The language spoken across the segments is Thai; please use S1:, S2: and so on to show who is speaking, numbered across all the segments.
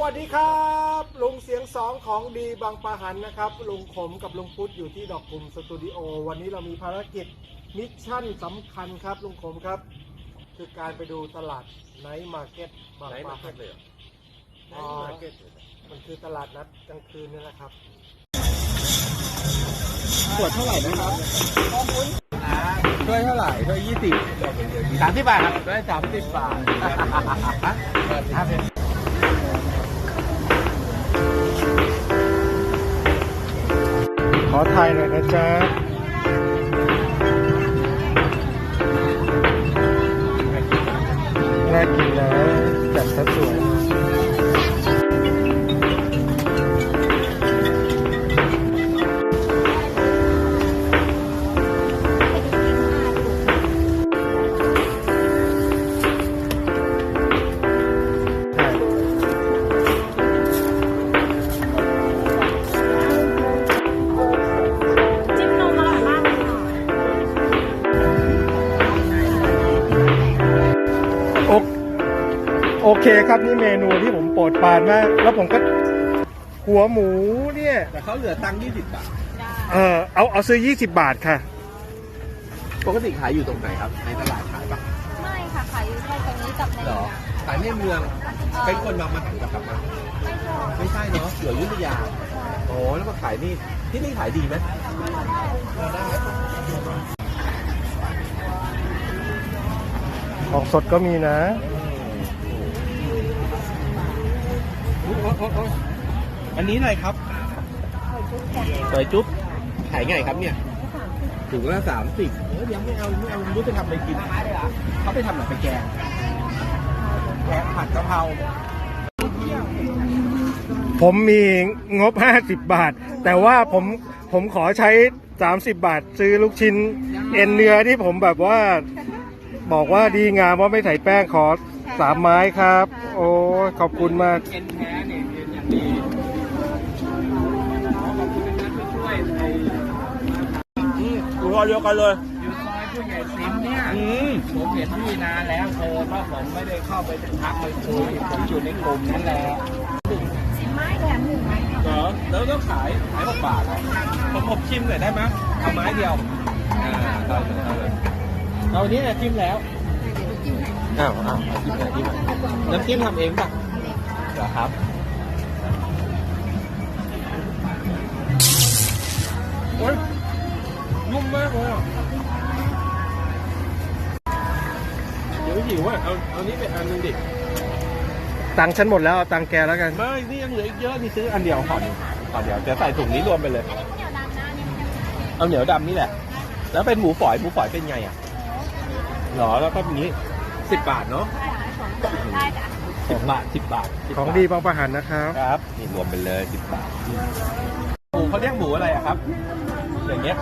S1: วัสดีครับลุงเสียงสองของดีบางปะหันนะครับลุงขมกับลุงพุทธอยู่ที่ดอกกุมสตูดิโอวันนี้เรามีภารกิจมิชชั่นสำคัญครับลุงขมครับคือการไปดูตลาดไนท์มาร์เก็ตบางปะหันเลยมันคือตลาดนัดกลางคืนนี่แหละครับขวดเท่าไหร่นะครับด้วยเท่าไหร่ด้วย30 บาทครับด้วย30 บาทขอถ่ายหน่อยนะจ๊ะน่ากินนะจัดซะสวยโอเคครับนี่เมนูที่ผมโปรดปรานมากแล้วผมก็หัวหมูเนี่ย
S2: แต่เขาเหลือตังค์20 บาท
S1: เอาซื้อ20 บาทค่ะ
S2: ปกติขายอยู่ตรงไหนครับในตลาดขายปะ
S3: ไม่ค่ะขายอยู่แค่ตรงนี้กับในเมือง
S2: ขายในเมืองเป็นคนบางมะหันกับมาไม่ใช่เนาะอยู่อยุธยาโอ้แล้วมาขายนี่ที่นี่ขายดีไหมได้
S1: ของสดก็มีนะ
S2: อันนี้อะไรครับซอยจุ๊บขายไงครับเนี่ยถุงละ30ยังไม่เอาไม่รู้จะทำอะไรกินเขาไปทำอะไรไปแกงผัดกะเพรา
S1: ผมมีงบ50 บาทแต่ว่าผมขอใช้30 บาทซื้อลูกชิ้นเอ็นเนื้อที่ผมแบบว่าบอกว่าดีงามว่าไม่ใส่แป้งขอ3 ไม้ครับโอ้ขอบคุณมาก
S2: เอ็นแท้เนี่ยเอ็นอย่างดีขอบคุณนะที่ช่วยอยู่ซอยเดียวกันเลยอยู่ซอยผู้ใหญ่สิมเนี่ยผมเห็นพี่นานแล้วเพราะผมไม่ได้เข้าไปทักไปคุยผมอยู่ในกลุ่มนั่นแหละ
S3: 10 ไม้แถม1 ไม้
S2: เหรอแล้วก็ขาย6 บาทผมชิมหน่อยได้ไหมเอาไม้เดียวเอานี้ชิมแล้วอ้าวจิ้มหน่อยน้ำจิ้มทำเองป่ะเหรอครับโอ้ยนุ่มมากเลยเดี๋ยวหิวอ่ะเอานี้ไปอันนึงดิ
S1: ตังค์ฉันหมดแล้วเอาตังค์แกแล้วกัน
S2: ไม่นี่ยังเหลืออีกเยอะนี่ซื้ออันเดียวก่อนเดี๋ยวจะใส่ถุงนี้รวมไปเลยเอาเหนียวดำนี่แหละแล้วเป็นหมูฝอยเป็นไงอ่ะหรอแล้วก็อย่างนี้10 บาทเนาะ2 บาท10 บาท
S1: ของดีบางปะหันนะครับ
S2: ครับนี่รวมไปเลย10 บาทหมูเขาเรียกหมูอะไรอะครับอย่างเงี้ย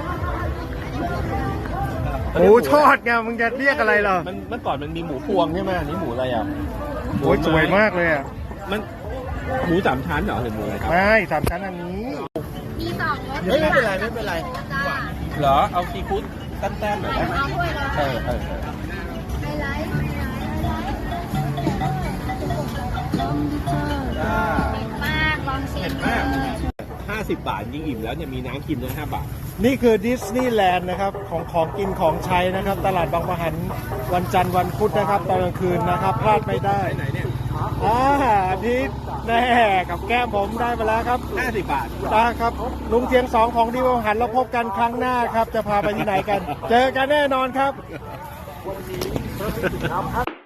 S1: หมูทอดไงมึงจะเรียกอะไรเหรอ
S2: เมื่อก่อนมันมีหมูพวงใช่ไหมอันนี้หมูอะไรอ่ะ
S1: โอ้ยสวยมากเลยอ่ะ
S2: มันหมู3 ชั้นเหรอหรือหมูอะไรครับ
S1: ไม่3 ชั้นอันนี้
S3: มี2 รส
S2: ไม่เป็นไรเหรอเอาซีฟู้ดแต้มๆหน่อยได้ไหมไฮไลท์
S3: มากลองชิมมาก
S2: 50 บาทยิ่งอิ่มแล้วเนี่ยมีน้ำกินด้วย5 บาท
S1: นี่คือดิสนีย์แลนด์นะครับของกินของใช้นะครับตลาดบางปะหันวันจันทร์วันพุธนะครับตอนกลางคืนนะครับพลาดไม่ได้
S2: ไหนเนี่ย
S1: อาทิตย์แน่กับแก้มผมได้มาแล้วครับ
S2: 50 บาท
S1: ครับลุงเสียงสองของดีบางปะหันเราพบกันครั้งหน้าครับจะพาไปที่ไหนกันเจอกันแน่นอนครับ